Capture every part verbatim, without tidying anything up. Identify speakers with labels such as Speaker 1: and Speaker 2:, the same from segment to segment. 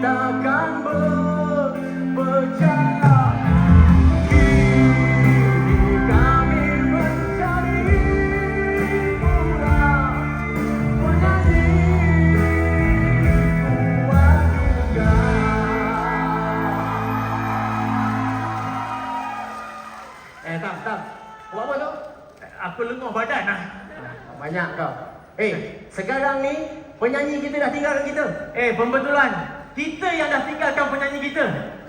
Speaker 1: takkan berpecah. Kini kami mencari murah penyanyi kuat juga. Eh, tak, tak. Buat apa tu?
Speaker 2: Aku lengah badan lah.
Speaker 1: Banyak kau. Eh, sekarang ni penyanyi kita dah tinggalkan kita.
Speaker 2: Eh, pembetulan. Kita yang dah tinggalkan penyanyi kita.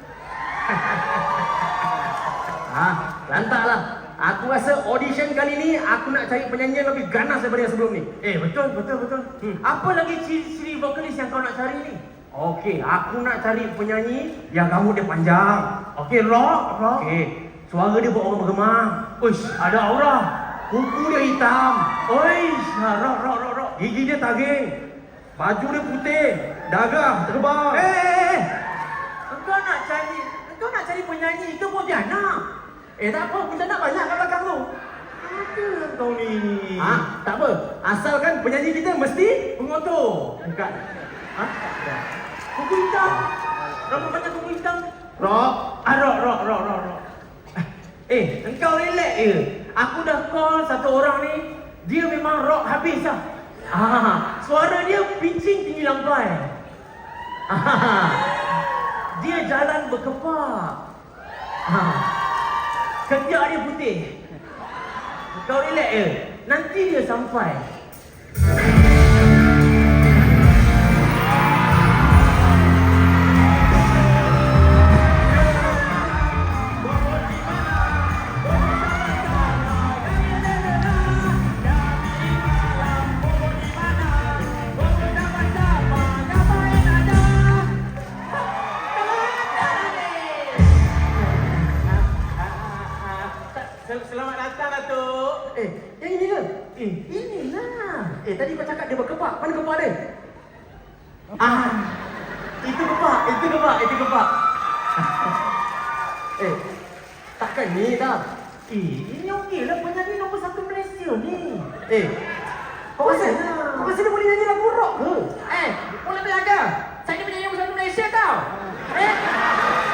Speaker 1: Ah, lantaklah. Aku rasa audition kali ni aku nak cari penyanyi yang lebih ganas daripada yang sebelum ni.
Speaker 2: Eh, betul, betul, betul.
Speaker 1: Hmm.
Speaker 2: Apa lagi ciri-ciri vokalis yang kau nak cari ni?
Speaker 1: Okey, aku nak cari penyanyi yang rambut dia panjang.
Speaker 2: Okey, rock, rock.
Speaker 1: Okey, suara dia buat orang bergema.
Speaker 2: Uish, ada aura.
Speaker 1: Kuku dia hitam.
Speaker 2: Uish, rock, rock, rock, rock.
Speaker 1: Gigi dia taging. Baju dia putih. Dagang terbang.
Speaker 2: Eh, eh, eh. Engkau nak cari, engkau nak cari penyanyi ke Pontianak?
Speaker 1: Eh, tak apa, kita nak banyak kat belakang tu.
Speaker 2: Ada kau ni.
Speaker 1: Ah, tak apa. Asalkan penyanyi kita mesti
Speaker 2: Pengotor.
Speaker 1: bukan.
Speaker 2: Ha? Kuku hitam. Rambut panjang kuku hitam.
Speaker 1: Rock.
Speaker 2: Ah, rock, rock, rock, rock, rock. Eh, engkau relax je. Aku dah call satu orang ni. Dia memang rock habis lah. Ah, suara dia pitching tinggi lambai. Ah, dia jalan berkepak. Ah, ketiak dia putih. Kau relax je. Nanti dia sampai. Selamat datang, Datuk.
Speaker 1: Eh, yang ini ke?
Speaker 2: Eh,
Speaker 1: Inilah. Eh, tadi kau cakap dia berkepak. Mana kepak dia?
Speaker 2: ah, itu kepak, itu kepak, itu kepak.
Speaker 1: Eh, takkan ni dah.
Speaker 2: Eh, ini okey lah penyanyi nombor satu Malaysia ni.
Speaker 1: Eh, kau rasa,
Speaker 2: Okey.
Speaker 1: kau rasa dia boleh nyanyi lagu rock ke?
Speaker 3: Eh, boleh belajar. Saya ni penyanyi nombor satu Malaysia tau. Eh,